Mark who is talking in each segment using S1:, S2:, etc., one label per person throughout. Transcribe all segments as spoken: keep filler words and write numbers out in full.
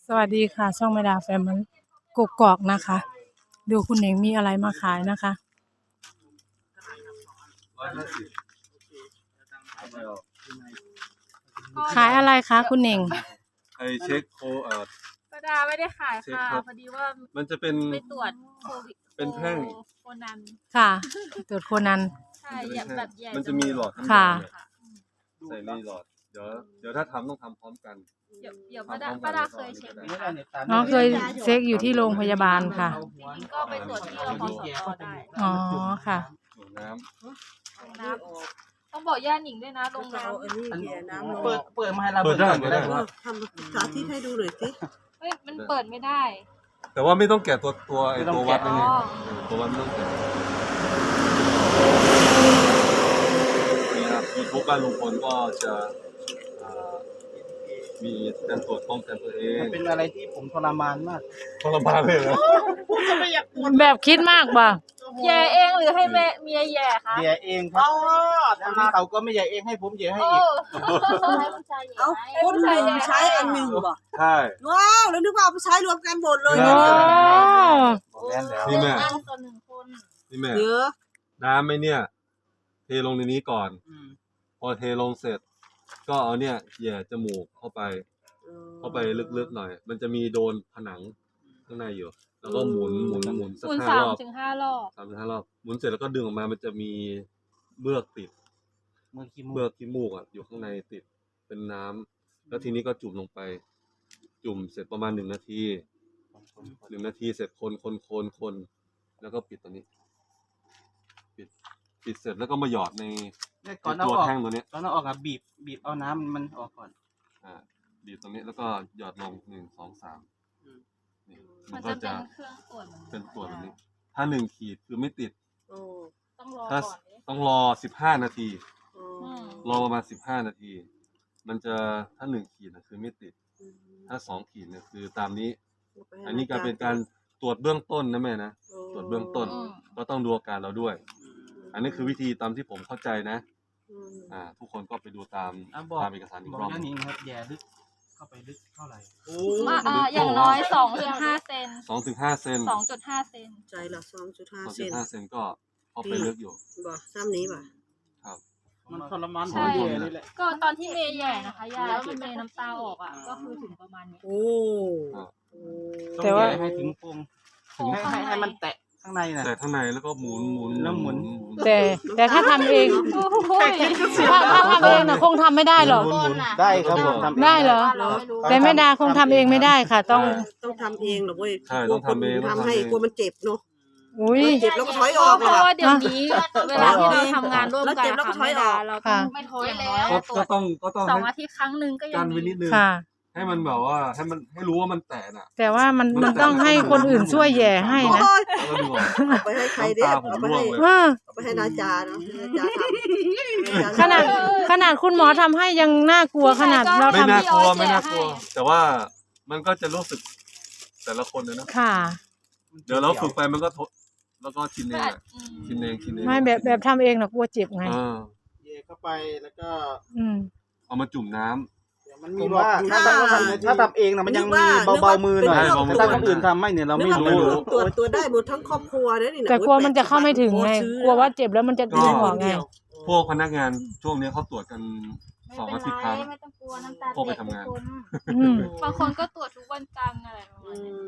S1: สวัสดีค่ะช่องแม่ดาแฟมิลี่กกอกนะคะดูคุณเองมีอะไรมาขายนะคะขายอะไรคะคุณเอง
S2: ไอเช็คโคเอ่อ
S3: ป้าดาไม่ได้ขายค่ะพอดีว่า
S2: มันจะเป็น
S3: ไปตรวจโควิด
S2: เป็นแท่ง
S3: โคนัน
S1: ค่ะตรวจโคนัน
S3: ใช่แบบใหญ่
S2: มันจะมีหลอด
S1: ค่ะ
S2: ใส่ในหลอดเดี๋ยวเดี๋ยวถ้าทำต้องทำพร้อมกัน
S3: เดี๋ยวเดี๋ยวป้าดาป้าดาเคยเช็คไหมคะ
S1: น้องเคยเช็คอยู่ที่โรงพยาบาลค่ะ
S3: จริงๆก็ไปตรวจที่รพสตได้
S1: อ๋อค่ะ
S2: น้
S3: ำน้ำต้องบอกย่าหนิงด้วยนะลงน้
S4: ำเปิดเปิดมาให้เรา
S2: เปิดได้
S4: เปิดได้
S5: ทำสาธิตให้ดูหน่อยสิ
S3: เฮ้ยมันเปิดไม่ได้
S2: แต่ว่าไม่ต้องแกะตัวตัวไอตัววัดนี่ตัววัดไม่ต้องแกะนี่ครับยูทูบบ้านลุงพลก็จะมีการตรวจป้องกันตัวเอง
S4: เป็นอะไรที่ผมทรมานมาก
S2: ทรมานเลยนะ
S1: แบบคิดมากป่ะ
S3: แย่เองหรือให้แม่เมียแย่คะ
S4: แย่เองครับแล้วนี่เขาก็ไม่แย่เองให้ผมแย่ให้อีก
S5: เอาคนหนึ่งใช้อันหนึ่งบ่
S2: ใช่
S5: ว้าวแล้วนึกว่าเอาไปใช้รวมกันหมดเลย
S2: นี่แม่
S3: ตัวหนึ่งคน
S2: นี่แม่เยอะน้ำไหมเนี่ยเทลงในนี้ก่อนพอเทลงเสร็จก็เอาเนี่ยแย่จมูกเข้าไปเข้าไปลึกๆหน่อยมันจะมีโดนผนังข้างในอยู่แล้วก็หมุนหมุนหมุนสักห้ารอบ
S3: ถึงห้ารอบ
S2: สามถึงห้ารอบหมุนเสร็จแล้วก็ดึงออกมามันจะมีเมือกติด
S4: เมือกขี้
S2: เมือกขี้มูกอ่ะอยู่ข้างในติดเป็นน้ำแล้วทีนี้ก็จุ่มลงไปจุ่มเสร็จประมาณหนึ่งนาทีหนึ่งนาทีเสร็จคนคนคนคนแล้วก็ปิดตัวนี้ปิดปิดเสร็จแล้วก็มาหยอดในตัวแท่งตัวนี้
S4: ตอนนั้นออกอะบีบบีบเอาน้ำมันออกก่อน
S2: อ่าบีบตรงนี้แล้วก็หยอดลงหนึ่งสองสาม
S3: มันก็จะเป็นเครื่องตรวจ
S2: เป็นตรวจแบบนี้ถ้าหนึ่งขีดคือไม่ติด
S3: ต้องรอ
S2: ถ้าต้องรอสิบห้านาทีรอประมาณสิบห้านาทีมันจะถ้าหนึ่งขีดนะคือไม่ติดถ้าสองขีดเนี่ยคือตามนี้อันนี้การเป็นการตรวจเบื้องต้นนะแม่นะตรวจเบื้องต้นก็ต้องดูอาการเราด้วยอันนี้คือวิธีตามที่ผมเข้าใจนะอ่าทุกคนก็ไปดูตามตามเอกสารอีกรอบ
S4: นึงครับแย่ลึกเข้าไปลึกเท่าไหร่
S3: อ่าอย่างน้อยสองถึงห้าเซน
S2: สองถึงห้าเซน
S3: สองจุดห้าเซน
S5: ใจละสองจุดห้าเซน
S2: สองจุดห้าเซนก็เข้าไปลึกอยู่
S5: บ่ซ้ำนี้บ่
S2: ครับ
S4: มันทรมาน
S3: ใช่ก็ตอนที่เมย์ใหญ่นะคะยาแล้วมันเมย์น้ำตาออกอ่ะก็คือถึงประมาณนี้
S5: โอ้
S4: แต่ว่าให้ถึงปงให้ให้มันแตะข้างในนะ
S2: แต่ข้างในแล้วก็หมุนหมุน
S4: แล้วหมุน
S1: แต่แต่ถ้าทำเองถ้าถ้าทำเองนะคงทำไม่ได้หรอก
S4: ได้ครับ
S1: ได้เหรอแต่แม่ดาคงทำเองไม่ได้ค่ะต้อง
S5: ต้องทำเองหรอกเว้ย
S2: ใช่ต้องทำเอง
S5: ทำให้กลัวมันเจ็บเนาะ
S1: อุ้ย
S5: เจ็บแล้วก็ถอยออก
S3: เพราะว่าเดี๋ยวนี้เวลาที่เราทำงานร่วมกัน
S5: แล้วก็ถอยออก
S3: เราต้องไม่ถอยแล้ว
S2: ก็ต้องก็ต้อง
S3: สองอาทิตย์ครั้งหนึ่งก็ยัง
S2: กันไว้นิดนึงให้มันแบบว่าให้มันให้รู้ว่ามันแตกอ่ะ
S1: แต่ว่ามันมันต้องให้คนอื่นช่วยแย่ให้นะ
S5: เอาไปให้ใครเด้อเอาไปให้เอาไปให้นาจาเนาะนาจาทำ
S1: ขนาดขนาดคุณหมอทำให้ยังน่ากลัวขนาดเราทำ
S2: ไม่น่ากลัวไม่น่ากลัวแต่ว่ามันก็จะรู้สึกแต่ละคนเลยนะ
S1: ค่ะ
S2: เดี๋ยวเราฝึกไปมันก็ทดแล้วก็ชินเองชินเองชินเอง
S1: ไม่แบบแบบทำเองนะกลัวเจ็บไง
S4: เย่เข้าไปแล้วก็
S2: เอามาจุ่มน้ำ
S4: มันมีว่าถ้าทำถ้าทำเองนะมันยังมีเบาๆมือหน่อยแต่ถ้าคนอื่นทำไม่เนี่ยเราไม่รู้
S5: ตรวจตัวได้หมดทั้งครอบครัวเนี่ยนี่
S1: แต่กลัวมันจะเข้าไม่ถึงไงกลัวว่าเจ็บแล้วมันจะดึงออกไง
S2: พวกพนักงานช่วงนี้เขาตรวจกันสองอาทิตย์ครั้ง
S3: ไม่ต้องกลัวน้ำตา
S2: พวกไปทำงาน
S3: บางคนก็ตรวจทุกวันจันทร์อะไรประมาณนี้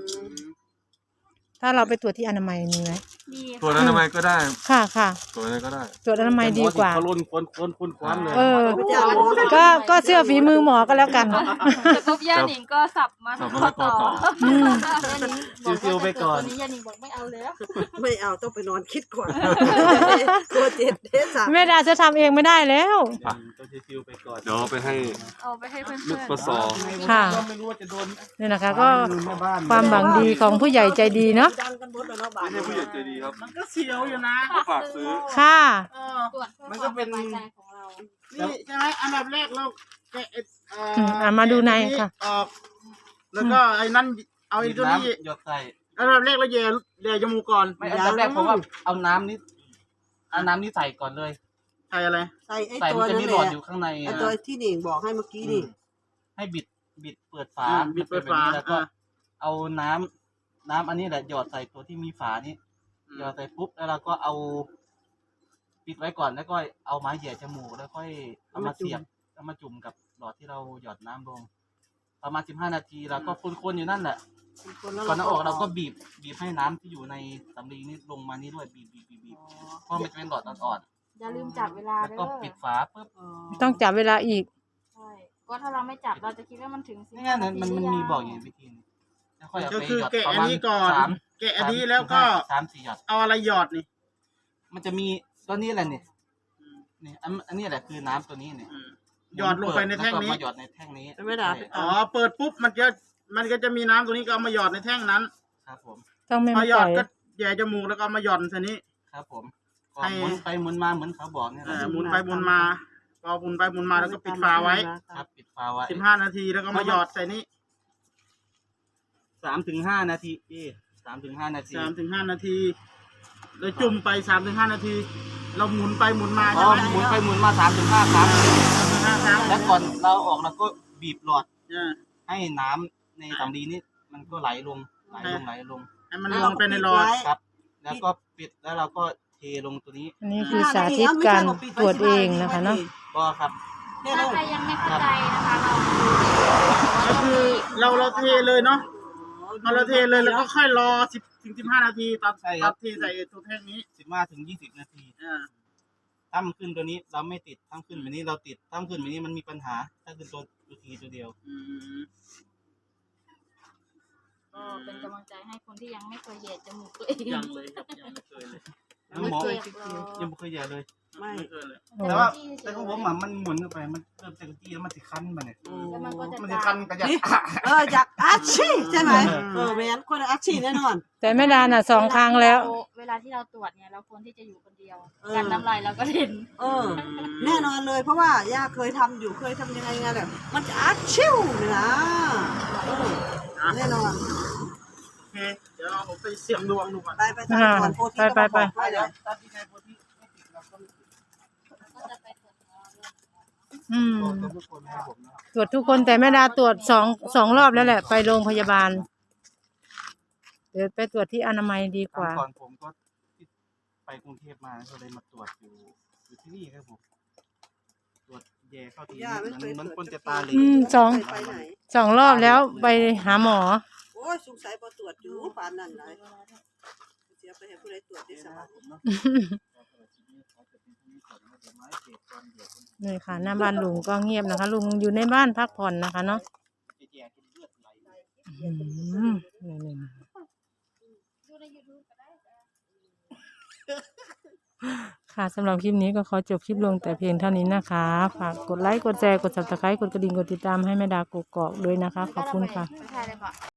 S1: ถ้าเราไปตรวจที่อนามัยมีไหม
S2: ตรวจอนามัยก็ได้
S1: ค่ะค่ะ
S2: ตรวจอะไรก็ได้
S1: ตรวจอนามัยดีกว่า
S4: เขาล้นคนคนคนคว้านเลย
S1: เออก็ก็เสื้อฝีมือหมอก็แล้วกัน
S3: แต่ปุ๊บย่าหนิงก็สับมาต่อ
S4: ซิวๆไปก่อน
S3: นี้ย่าหนิงบอกไม่เอาแล้ว
S5: ไม่เอาต้องไปนอนคิดก่อนกลัวเจ็บเทส
S1: แม่ดาจะทำเองไม่ได้แล้ว
S4: ต้องซิวๆไปก่อน
S2: เดี๋ยวไปให้
S3: เอาไปให้เพื่อน
S2: ลูกปสอ
S1: ค่ะนี่นะคะก็ความหวังดีของผู้ใหญ่ใจดีเนาะ
S2: ไม่ใช่ผู้ใหญ่ใจดีครับ
S4: มันก็เสียวอยู่นะ
S2: ฝากซื้อ
S1: ค่ะ
S4: มันก็เป็นนี่ใช่ไหมอันดับแรกเราแกะ
S1: อ่ามาดูในค่ะ
S4: ออกแล้วก็ไอ้นั่นเอาไอ้ตัวนี้หยดใส่อันดับแรกเราแย่แย่จมูกก่อนไม่อันดับแรกผมว่าเอาน้ำนี้เอาน้ำนี้ใส่ก่อนเลยใส่อะไร
S5: ใส่ไอ้ตัวนั้นแหละ
S4: อยู่ข้างใน
S5: ไอ้ตัวที่หนิงบอกให้เมื่อกี้นี่
S4: ให้บิดบิดเปิดฝา
S5: อ่า
S4: บิดเปิดฝาแล้วก็เอาน้ำน้ำอันนี้แหละหยอดใส่ตัวที่มีฝานี้หยอดใส่ปุ๊บแล้วเราก็เอาปิดไว้ก่อนแล้วก็เอาไม้แหย่จมูกแล้วค่อยเอามาเสียบเอามาจุ่มกับหลอดที่เราหยอดน้ำลงประมาณสิบห้านาทีแล้วก็คนๆอยู่นั่นแหละก่อนเอาออกเราก็บีบบีบให้น้ำที่อยู่ในสำลีนี่ลงมานี่ด้วยบีบบีบบีบบีบเพราะมันจะเป็นหลอดอ่อน
S3: อย่าลืมจับเวลา
S4: ๆแล้ว
S3: เด้
S4: ก็
S3: อ
S4: ปิดฝาปุ๊บ
S1: ต้องจับเวลาอีก
S3: ใช่ก็ถ้าเราไม่จับเราจะคิดว่ามันถึงสิบ
S4: นี่ไงมันมันมันมีบอกอยู่วิธีนึงแล้วค่อยเอา
S5: ก็
S4: ไป
S5: คือ
S4: หยอด
S5: แกะ
S4: ประ
S5: อัน
S4: มาณ
S5: นี้ก่อน
S4: สาม
S5: แกะอันนี้แล้วก็
S4: สามสี่หยอด
S5: เอาอะไรหยอดนี่
S4: มันจะมีตัวนี้แหละนี่นี่อันอันนี้แหละคือน้ำตัวนี้เนี่ย
S5: หยอดลงไปในแท่งนี้
S4: ล้วก็มาหยอดในแท่งนี้
S5: ไม่ได้
S4: ใช่
S5: อ๋อเปิดปุ๊บมันจะมันก็จะมีน้ำตัวนี้ก็เอามาหยอดในแท่งนั้น
S4: ครับผม
S1: ต้องไม่
S5: พอ
S1: มา
S5: หยอ
S1: ต่
S5: ด
S1: อย
S5: ก็แย่จมูกแล้วก็เอามาหย่อนใส่นี้
S4: ครับผมก็
S5: ให้
S4: หมุนไปหมุนมาเหมือนเขาบอกเนี่ยแห
S5: เอ่
S4: ละ
S5: อหมุนไปหมุนมาพอหมุนไปหมุนมาแล้วก็ปิดฝาไว้
S4: ครับปิดฝาไว้
S5: สิบห้านาทีแล้วก็มาหยอดใส่นี้
S4: สามถึงห้านาทีพี่สามถึงห้านาที
S5: สามถึงห้านาทีแล้วจุ่มไปสามถึงห้านาที เราหมุนไปหมุนมา
S4: อ๋
S5: ใช่
S4: อ
S5: ไหม
S4: หมุนไปหมุนมาสามถึงห้าครั้ง
S5: ห้าครั้ง
S4: แล้วก่อนเราออกเราก็บีบหลอด
S5: เออ
S4: ให้น้ำในสำลีนี่มันก็ไหลลงไหลลงไหลลง
S5: ให้มันลงไปในหลอด
S4: ครับ แล้วก็ปิดแล้วเราก็เทลงตัวนี้
S1: อันนี้คือสาธิตการตรวจเองนะคะเนาะ
S4: ก็ครับ
S3: ถ้าใครยังไม่เข้าใจนะคะเรา
S5: ก็คือเราเราเทเลยเนาะพอเราเทเลยแล้วก็ค่อยรอสิบถึงสิบห้านาทีตอน
S4: ใช่
S5: ต
S4: ครั
S5: อบ นที่ใส่ตัวแท่งนี้
S4: สิบห้าถึงยี่สิบนาที
S5: เออ
S4: ถ้ามันขึ้นตัวนี้เราไม่ติดถ้าขึ้นแบบนี้เราติดถ้าขึ้นแบบนี้มันมีปัญหา ถ้าขึ้นตัวตัวทีตัวเดียว
S5: อืม
S3: ก็เป็นกำลังใจให้คนที่ยังไม่เคยเหยียดจมูกตัวเอง
S5: ยังเลยครับยังไม่เคยเลย
S4: แล้วหมอ
S3: เจ็บหรอ
S4: ยังไม่เคยแย่เลย
S5: ไม่เคยเลย
S4: แต่ว่าแต่ของผมอะมันหมุนเข้าไปมันเริ่มจากจี้แล้วมันติดคันมาเนี่ย
S3: แล้วมันก็จะ
S4: มัน
S3: จา
S4: จะคัน
S3: ม
S4: กระยัก
S5: เออจากอาชีพใช่ไหมเออแม่นคนอาชีพแน่นอน
S1: แต่แม่ดาน่ะสองครั้งแล้ว
S3: เวลาที่เราตรวจเนี่ยเราควรที่จะอยู่คนเดียว
S5: เออ
S3: การน้ำลายเราก็เห็น
S5: เออ แน่นอนเลยเพราะว่าย่าเคยทำอยู่เคยทำยังไงไงแบบมันจะอาชิวเลยนะเออแน่นอน
S2: โอเค เดี๋ยวผมไปเสี่ยงดวงดูก่อน
S5: ไปไปทำก่อนโพธิ
S1: ไปไปไป
S5: ไปเดี๋ยว
S4: ถ้าที่ใช้โปรตีนไม่ติดเราก็
S3: ก็จะไปตรวจเนื้อ
S1: อืม
S4: ตัวทุกคนให้ผมนะ
S1: ตรวจทุกคนแต่แม่ดาตรวจสองสองรอบแล้วแหละ ไปโรงพยาบาล เดี๋ยวไปตรวจที่อนามัยดีกว่า
S4: ก่อนผมก็ไปกรุงเทพมาก็เลยมาตรวจอยู่อยู่ที่นี่ครับผมตรวจแย่เข้าที
S5: ย่าไม่เคย
S4: มัน
S5: ตรวจ
S4: คนจะตาเหล
S1: อืมสอง
S5: ไปไหน
S1: สองรอบแล้วไปหาหมอ
S5: โอ้ยสงสัยพอตรวจอยู่ปานนั้นเลยเสียไปให้ผู้ใดตรวจได้สบาย
S1: นี่ค่ะ หน้าบ้านลุงก็เงียบนะคะ ลุงอยู่ในบ้านพักผ่อนนะคะเนาะ
S4: แย่จนเลือดไหล
S1: อืมนี่ๆ
S3: ดูใน YouTube ก็ได้
S1: ค่ะสำหรับคลิปนี้ก็ขอจบคลิปลงแต่เพียงเท่านี้นะคะ ฝากกดไลค์ กดแชร์ กด ซับสไครบ์ กดกระดิ่ง กดติดตามให้แม่ดากกอกๆด้วยนะคะ ขอบคุณค่ะ
S3: ไปถ่ายเลยก่อน